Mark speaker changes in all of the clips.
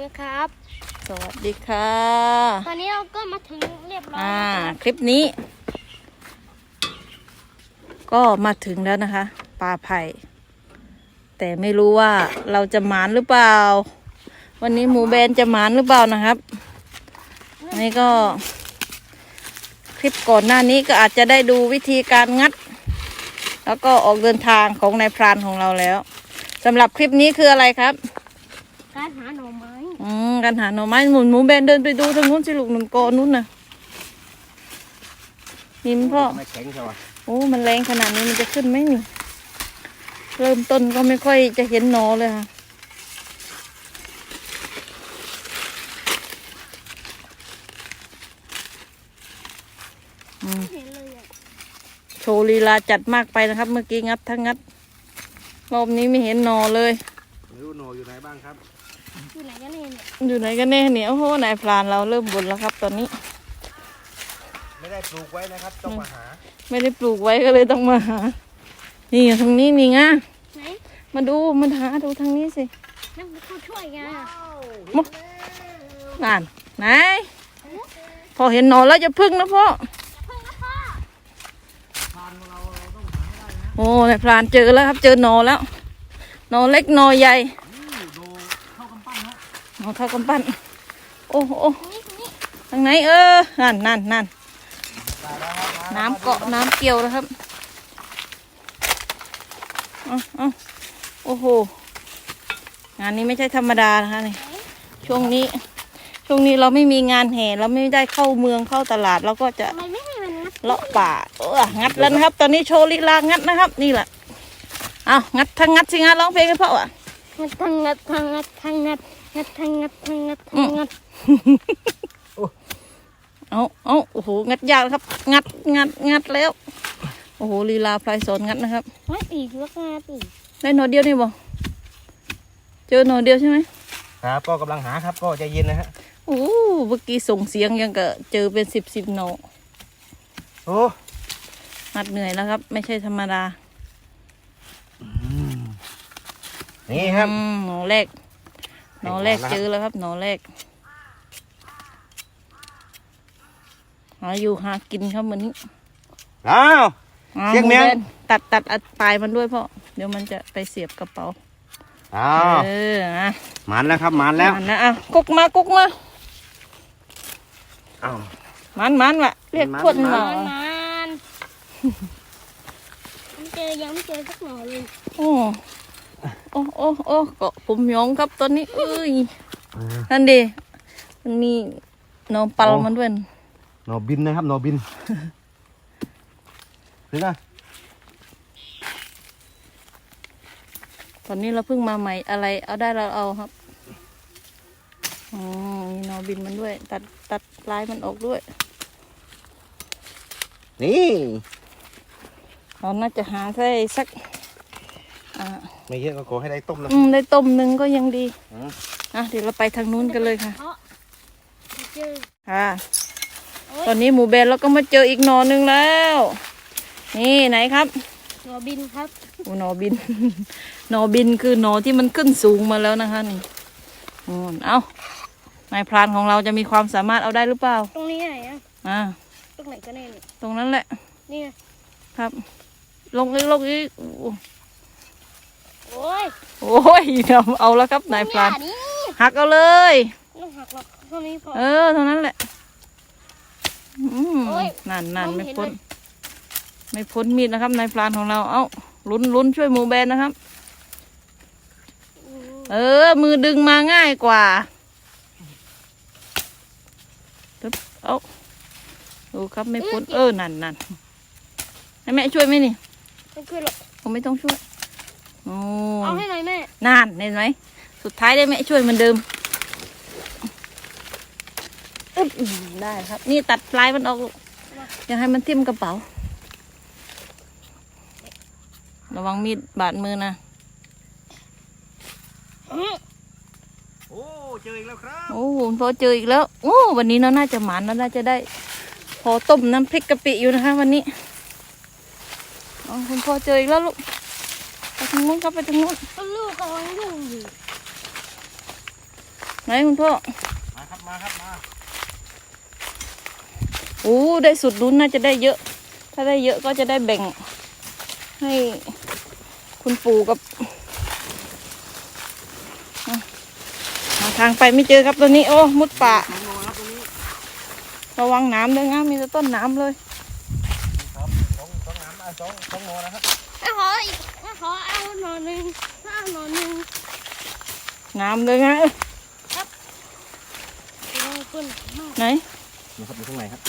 Speaker 1: นะครับ
Speaker 2: สวัสดีค่ะ
Speaker 1: ตอนนี้เราก็มาถึงเรียบร้อย
Speaker 2: คลิปนี้ ก็มาถึงแล้วนะคะปลาไผ่แต่ไม่รู้ว่าเราจะหมานหรือเปล่าวันนี้หมูแบนจะหมานหรือเปล่านะครับอันนี้ก็คลิปก่อนหน้านี้ก็อาจจะได้ดูวิธีการงัดแล้วก็ออกเดินทางของนายพรานของเราแล้วสำหรับคลิปนี้คืออะไรครับ
Speaker 1: การหาหน่อไม้
Speaker 2: การหาหน่อไม้หมูแบนเดินไปดูทางนู้นสิลูกหนุนกอนู้นน่ะนี่มันพ่อ
Speaker 3: ไม่แข็งใช่ไหม
Speaker 2: โอ้มันแรงขนาดนี้มันจะขึ้นไหมนี่เริ่มต้นก็ไม่ค่อยจะเห็นหนอเลยค่ะโชว์ลีลาจัดมากไปนะครับเมื่อกี้งัดทั้งงัดรอบนี้ไม่เห็นหนอเลย
Speaker 3: ไม่รู้หนออยู่ไหนบ้างครับ
Speaker 1: อยู่ไหนกันแน่เนี่ย
Speaker 2: อยู่ไหนกันแน่เนี่ยโอ้โหนายพรานเราเริ่มบ่นแล้วครับตอนนี้
Speaker 3: ไม่ได้ปลูกไว้นะครับต้องมาหา
Speaker 2: ไม่ได้ปลูกไว้ก็เลยต้องมาหานี่ทางนี้นี่ไง
Speaker 1: ไหน
Speaker 2: มาดูมันหาดูทางนี้สิ
Speaker 1: นั่นเขาช่วยไง
Speaker 2: มุนั่นไหนพอเห็นหนอนแล้วจะพึ่งนะพ่อโอ้นายพรานเจอแล้วครับเจอหนอนแล้วหนอนเล็กหนอนใหญ่หนอนเท่ากำปั้นโอ้โหทางไหนนั่นน้ำเกาะน้ำเกี่ยวแล้วครับโอ้โหงานนี้ไม่ใช่ธรรมดานะคะนี่ช่วงนี้เราไม่มีงานแห่เราไม่ได้เข้าเมืองเข้าตลาดเราก็จะเลาะป่างัดแล้วนะครับตอนนี้โชว์ลีลางัดนะครับนี่แหละเอางัดทั้งงัดสิงัดร้องเพลงให้พ่อ
Speaker 1: งัดทั้งงัดทั้งงัดทั้งงัดงัดทั้งงัดทั้งงัดทั้งงัด
Speaker 2: เอาโอ้โหงัดยากครับงัดแล้วโอ้โหลีลาพลายสอนงัดนะครับ
Speaker 1: งัดอีกแล้วงัดอีก
Speaker 2: ได้หน่อเดียวนี่บ่เจอหน่อเดียวใช่ไหม
Speaker 3: ครับก็กำลังหาครับก็ใจเย็นนะฮะ
Speaker 2: โอ้เมื่อกี้ส่งเสียงยังก็เจอเป็นสิบหน่อ
Speaker 3: โอ้
Speaker 2: งัดเหนื่อยแล้วครับไม่ใช่ธรรมดา
Speaker 3: นี่ครับ
Speaker 2: หน่อแรกเจอแล้วครับหน่อแรกหาอยู่หากินครับเหมือนนี้
Speaker 3: อ้าวเชียงเมียง
Speaker 2: ตัดปลายมันด้วยพ่อเดี๋ยวมันจะไปเสียบกระเป๋า
Speaker 3: หมันแล้วครับหมันแล้ว
Speaker 2: นะกุกมา
Speaker 3: อ้าว
Speaker 2: มันว่ะเรียกพวดหน่อ
Speaker 1: มันยังไม่เจอสักหน่อเลย
Speaker 2: โอ้เกาะผมยองครับตอนนี้นั่นดิมันมีหน่อปัลมันด้วย
Speaker 3: หน่อบินนะครับหน่อบินเห็นไหม
Speaker 2: ตอนนี้เราเพิ่งมาใหม่อะไรเอาได้เราเอาครับมีหน่อบินมันด้วยตัดลายมันออกด้วย
Speaker 3: นี่
Speaker 2: เราน่าจะหาได้สัก
Speaker 3: ไม่เยอะก็ขอให้ได้ต้มนะ
Speaker 2: ได้ต้มหนึ่งก็ยังดีเดี๋ยวเราไปทางนู้นกันเลยค่ะตอนนี้หมูแบนเราก็มาเจออีกหน่อหนึ่งแล้วนี่ไหนครับ
Speaker 1: หน่อบินครับ
Speaker 2: หน่อบินหน่อบินคือหน่อที่มันขึ้นสูงมาแล้วนะคะนี่เอานายพรานของเราจะมีความสามารถเอาได้หรือเปล่า
Speaker 1: ตรงนี้ไหนตรงไหนก็แน่
Speaker 2: ตรงนั้นแหละ
Speaker 1: นี่
Speaker 2: ครับลงอีก
Speaker 1: โอ้ย
Speaker 2: เอาแล้วครับนายพรานหักเอาเลย
Speaker 1: ต้องหักหรอกเท่านี้พอ
Speaker 2: เท่านั้นแหละนั่นไม่พ้นมีดนะครับนายพรานของเราลุ้นช่วยหมูแบนนะครับมือดึงมาง่ายกว่าดูครับไม่พ้นนั่นให้แม่ช่วยไหมนี่
Speaker 1: ไม่ช่วยหรอก
Speaker 2: ผมไม่ต้องช่วย
Speaker 1: เอาให้หน่อยแม่
Speaker 2: นั่นเห็นไหมสุดท้ายได้แม่ช่วยเหมือนเดิมได้ครับนี่ตัดปลายมันออกอย่าให้มันทิ่มกระเป๋าระวังมีดบาดมือนะ
Speaker 3: โอ้เจออีกแล้วครับ
Speaker 2: พอเจออีกแล้ววันนี้เราน่าจะหมานเราน่าจะได้พอต้มน้ำพริกกะปิอยู่นะคะวันนี้คุณพ่อเจออีกแล้วลูกไปทางนู้นครับไปทางนู้น
Speaker 1: ลูกกำลังยุ่งอยู่
Speaker 2: ไหนคุณพ่อ
Speaker 3: มาครับมาครับมา
Speaker 2: โอ้ได้สุดลุ้นน่าจะได้เยอะ ถ้าได้เยอะก็จะได้แบ่งให้คุณปู่กับหาทางไปไม่เจอครับตัวนี้โอ้มุดป่า
Speaker 3: 2 โลครับตรงนี้
Speaker 2: ระวังน้ำด้วยนะมีแต่ต้นน้ำเลย
Speaker 3: ครับสองน้ำ2 โลนะครับ
Speaker 1: ขออีกขอเอาหน่อหนึ่งเอาหน่อหนึ่ง
Speaker 2: น้ำเลยนะ
Speaker 1: โอ้ยคุณมาก
Speaker 2: ไหน
Speaker 3: นี่ครับอยู่ข้างในครับ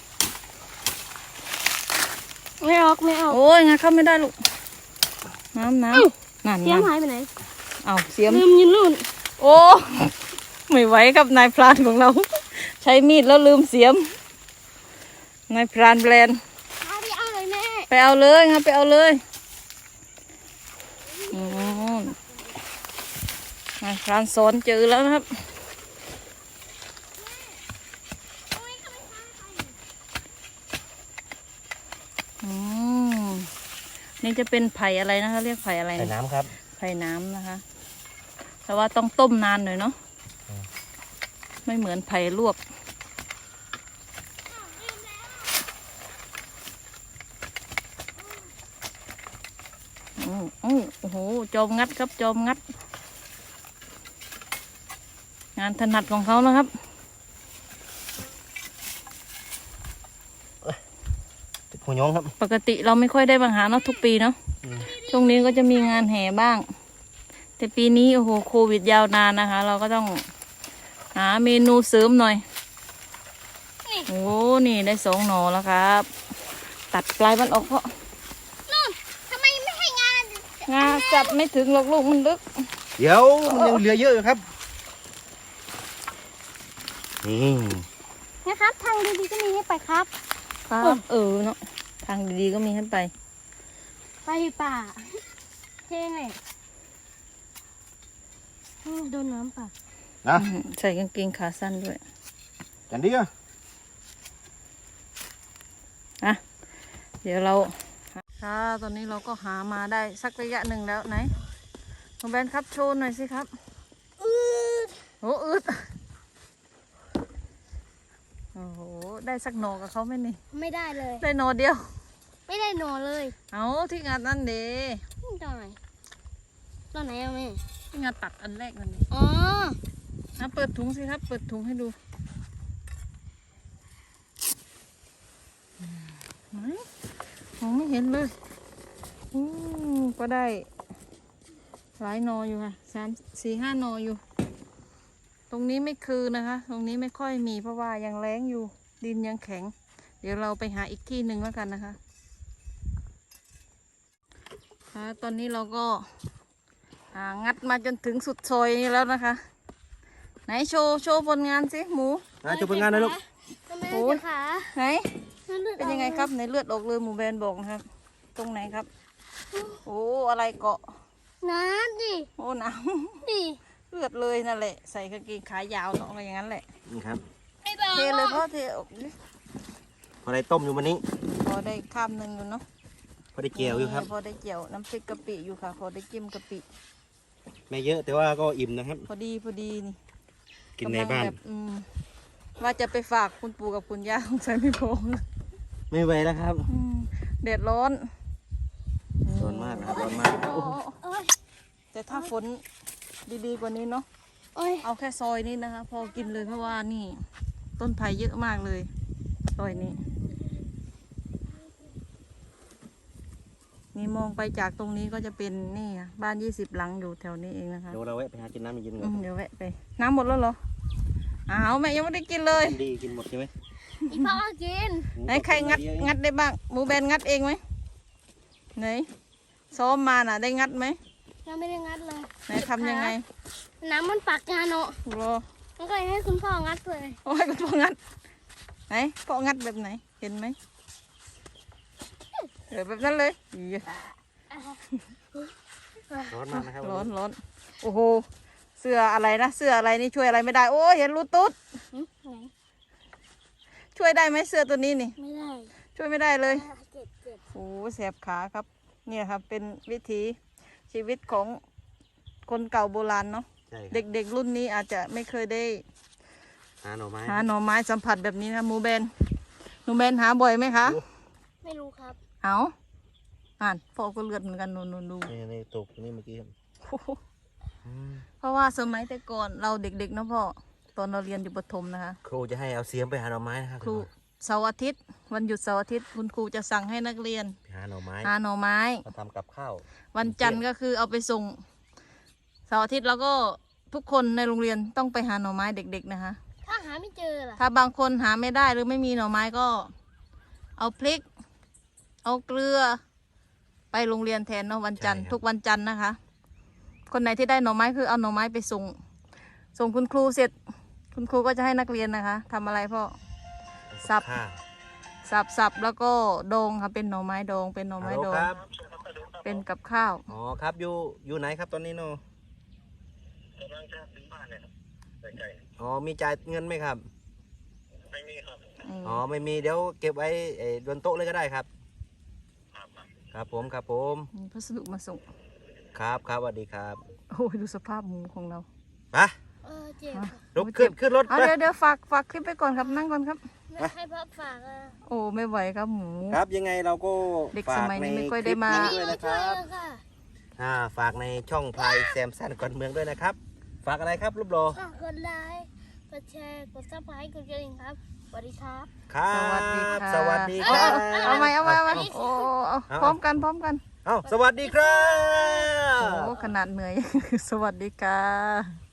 Speaker 1: ไม่ออกไม่ออก
Speaker 2: โอ้ยงาเข้าไม่ได้ลูกน้ำนั่น
Speaker 1: เสียม
Speaker 2: น้ำ
Speaker 1: หายไปไหน
Speaker 2: เอาเสียม
Speaker 1: ลืมยืนนู่น
Speaker 2: โอ้ไม่ไหวครับนายพรานของเรา ใช้มีดแล้วลืมเสียมนายพรานแบรนด์
Speaker 1: เอาไปเอาเลยแม่
Speaker 2: ไปเอาเลยครับไปเอาเลยนายพรานสอนเจอแล้วนะครับนี่จะเป็นไผ่อะไรนะคะเรียกไผ่อะไร
Speaker 3: ใส่น้ำครับ
Speaker 2: ไผ่น้ำนะคะ แต่ว่าต้องต้มนานหน่อยเนาะไม่เหมือนไผ่ลวกโอ้โหจอมงัดครับจอมงัด งานถนัดของเขานะครับ
Speaker 3: หัวย้องครับ
Speaker 2: ปกติเราไม่ค่อยได้มาหาเนาะทุกปีเนาะ ช่วงนี้ก็จะมีงานแห่บ้าง แต่ปีนี้โอ้โหโควิดยาวนานนะคะ เราก็ต้องหาเมนูเสริมหน่อย โอ้นี่ได้2 หน่อแล้วครับ ตัดปลายมันออกเพราะ
Speaker 1: นู่นทำไมไม่ให้งาน
Speaker 2: งาจับไม่ถึงหรอกลูกมันลึก
Speaker 3: เดี๋ยวมันยังเหลือเยอะอยู่ครับนี่
Speaker 1: นะครับทางดีๆก็มีให้ไปครับ
Speaker 2: ครับเนาะทางดีๆก็มีให้ไป
Speaker 1: ไปป่าเท่ไงโดนน้ำป่า
Speaker 3: นะ
Speaker 2: ใส่กางเกงขาสั้นด้วย
Speaker 3: จันดีอ่ะ
Speaker 2: อ่ะเดี๋ยวเราค่ะตอนนี้เราก็หามาได้สักระยะหนึ่งแล้วไหนน้องแบนครับโชว์หน่อยสิครับโอ้อึดโอ้โหได้สักหน่อกับเขาไหมนี่
Speaker 1: ไม่ได้เลย
Speaker 2: ได้หน่อเดียว
Speaker 1: ไม่ได้หนอเลย
Speaker 2: เอาที่งานนั่นเด้
Speaker 1: ตอนไหนตอนไหนอะแม่
Speaker 2: ที่งานตัดอันแรกนั่นเอง
Speaker 1: อ๋อ
Speaker 2: นะเปิดถุงสิครับ เปิดถุงให้ดูไหนมองไม่เห็นเลยก็ได้หลายหนออยู่ค่ะ3 4 5 หนออยู่ ตรงนี้ไม่คือนะคะ ตรงนี้ไม่ค่อยมีเพราะว่ายังแล้งอยู่ ดินยังแข็ง เดี๋ยวเราไปหาอีกที่หนึ่งแล้วกันนะคะค่ะตอนนี้เราก็งัดมาจนถึงสุดซอยนี้แล้วนะคะ ไหนโชว์ผลงานสิหมู
Speaker 3: จะเป็นงานนะลูก
Speaker 1: โอ้ยขา
Speaker 2: ไหนเป็นยังไงครับในเลือดออกเลยหมูแบนบอกนะครับ ตรงไหนครับ โอ้อะไรเกาะ
Speaker 1: น้ำดิ
Speaker 2: โอ้หนาว
Speaker 1: ดิ
Speaker 2: เลือดเลยนั่นแหละใส่กางเกงขายาวเนาะอะไรอย่างนั้นแหละ
Speaker 3: นี่ครับ
Speaker 1: ไม่บอก
Speaker 2: เทเลยพ่อเทออกดิ
Speaker 3: พอได้ต้มอยู่วันนี้
Speaker 2: พอได้ข้ามหนึ่งอยู่เนาะ
Speaker 3: พอได้เจียวอยู่ครับ
Speaker 2: พอได้เจียวน้ำพริกกะปิอยู่ค่ะ พอได้จิ้มกะปิ
Speaker 3: ไม่เยอะแต่ว่าก็อิ่มนะครับ
Speaker 2: พอดีนี่
Speaker 3: กินในบ้าน
Speaker 2: กำลังแบบว่าจะไปฝากคุณปู่กับคุณย่าของใส่ไม่พอ
Speaker 3: ไม่ไหวแล้วครับ
Speaker 2: แดดร้อน
Speaker 3: ร้อนมากนะครับร้อนมาก
Speaker 1: โอ้ย
Speaker 2: แต่ถ้าฝนดีๆกว่านี้เนาะ
Speaker 1: โอ้ย
Speaker 2: เอาแค่ซอยนี้นะคะ พอกินเลยเพราะว่านี่ ต้นไผ่เยอะมากเลยซอยนี้ นี่มองไปจากตรงนี้ก็จะเป็นนี่ค่ะบ้าน20 หลังอยู่แถวนี้เองนะคะ
Speaker 3: เดี๋ยวเราแวะไปหากินน้ำเย็นๆก่อน
Speaker 2: เดี๋ยวแวะไป น้ำหมดแล้วเหรออ้าวแม่ยังไม่ได้กินเลย
Speaker 3: ดีกินหมดใช่ไหม
Speaker 1: อีพ่อกิน
Speaker 2: ไหนใครงัดได้บ้างหมูแบนงัดเองไหมไหนซ้อมมาน่ะได้งัดไหม
Speaker 1: ยังไม่ได้งัดเลย
Speaker 2: ไหนทำยังไง
Speaker 1: น้ำมันปักงานเนาะ
Speaker 2: รอ
Speaker 1: มันก็เลยให้คุณพ่องัดเลย
Speaker 2: โอ้ยคุณพ่องัดไหนพ่องัดแบบไหนเห็นไหมแบบนั้นเลยอี๋
Speaker 3: ร้อนมากนะครับ
Speaker 2: ร้อนโอ้โหเสื้ออะไรนะเสื้ออะไรนี่ช่วยอะไรไม่ได้โอ้ยเห็นรูตุ๊ด
Speaker 1: ไหน
Speaker 2: ช่วยได้ไหมเสื้อตัวนี้นี่
Speaker 1: ไม่ได้
Speaker 2: ช่วยไม่ได้เลย
Speaker 1: เจ็บเจ็บ
Speaker 2: โอ้แสบขาครับเนี่ยครับเป็นวิถีชีวิตของคนเก่าโบราณเนาะ
Speaker 3: ใช่ครับ
Speaker 2: เด็กๆรุ่นนี้อาจจะไม่เคยได้
Speaker 3: หาหน่อไม้
Speaker 2: หาหน่อไม้สัมผัสแบบนี้นะหมูแบนหนูแบนหาบ่อยไหมคะ
Speaker 1: ไม่รู้ครับ
Speaker 2: เอาอ่านพ่อก็เลือดเหมือนกันนูนดู
Speaker 3: นี่ตกนี่เมื่อกี้ครับ
Speaker 2: โอ้โหเพราะว่าสมัยแต่ก่อนเราเด็กๆเนาะพ่อตอนเราเรียนอยู่ประถมนะคะ
Speaker 3: ครูจะให้เอาเสียมไปหาหน่อไม้นะครับ
Speaker 2: ครูเสาร์อาทิตย์วันหยุดเสาร์อาทิตย์คุณครูจะสั่งให้นักเรียน
Speaker 3: ไปหาหน่อไม้
Speaker 2: หาหน่อไม้
Speaker 3: มาทำกับข้าว
Speaker 2: วันจันทร์ก็คือเอาไปส่งเสาร์อาทิตย์แล้วก็ทุกคนในโรงเรียนต้องไปหาหน่อไม้เด็กๆนะคะ
Speaker 1: ถ้าหาไม่เจอล่ะ
Speaker 2: ถ้าบางคนหาไม่ได้หรือไม่มีหน่อไม้ก็ เอาพริก เอาเกลือ ไปโรงเรียนแทนเนาะวันจันทร์ทุกวันจันทร์นะคะ คนไหนที่ได้หน่อไม้คือเอาหน่อไม้ไปส่งคุณครูเสร็จ คุณครูก็จะให้นักเรียนนะคะทำอะไรพ่อ สับ
Speaker 3: ข้าว
Speaker 2: สับแล้วก็ดองค่ะเป็นหน่อไม้ดองเป็นหน่อ
Speaker 3: ฮั
Speaker 2: ไม้
Speaker 3: ลโหล
Speaker 2: ดอง
Speaker 3: ครับ
Speaker 2: เป็นกับข้าว
Speaker 3: อ๋อครับอยู่ไหนครับตอนนี้โนอ๋อมีจ่ายเงินไหมครับ อ๋อไม่มีเดี๋ยวเก็บไว้บนโต๊ะเลยก็ได้ครับ ครับผมครับผม
Speaker 2: มีพัสดุมาส่ง
Speaker 3: ครับครับสวัสดีครับ
Speaker 2: โอ้ยดูสภาพหมูของเรา
Speaker 3: ไป
Speaker 1: เจ็บค่ะ
Speaker 3: ลุกขึ้นรถ
Speaker 2: เอา
Speaker 3: ไป
Speaker 2: เดี๋ยวฝากคลิปไปก่อนครับนั่งก่อนครับ
Speaker 1: ให้พ่อฝากอ่ะ
Speaker 2: โอ้ไม่ไหวครับหมู
Speaker 3: ครับยังไงเราก็
Speaker 2: เด็ก
Speaker 3: ฝา
Speaker 2: ส
Speaker 3: ก
Speaker 2: มัย
Speaker 3: ใน
Speaker 2: นี้ไม่
Speaker 3: ค
Speaker 2: ค่อย
Speaker 3: ลิ
Speaker 2: ได้
Speaker 3: ป
Speaker 2: มา
Speaker 3: นี้ด้วยนะค
Speaker 1: ช่วย
Speaker 3: รับ
Speaker 1: ค่ะ
Speaker 3: ฝากในช่องพลายแซมสันก่อนเมืองด้วยนะครับ ฝากอะไรครับรูปโล
Speaker 1: ฝากกดไลค์กดแชร์กดซับสไครต์กดกระดิ่งครับสวัสดีครับ
Speaker 3: ครับ
Speaker 2: สวัสดีค่ะ
Speaker 3: สวัสดีครับ
Speaker 2: เอาไหมเอาโอ้เอาพร้อมกัน
Speaker 3: เอาสวัสดีครับ
Speaker 2: โอ้ขนาดเหนื่อย สวัสดีค่ะ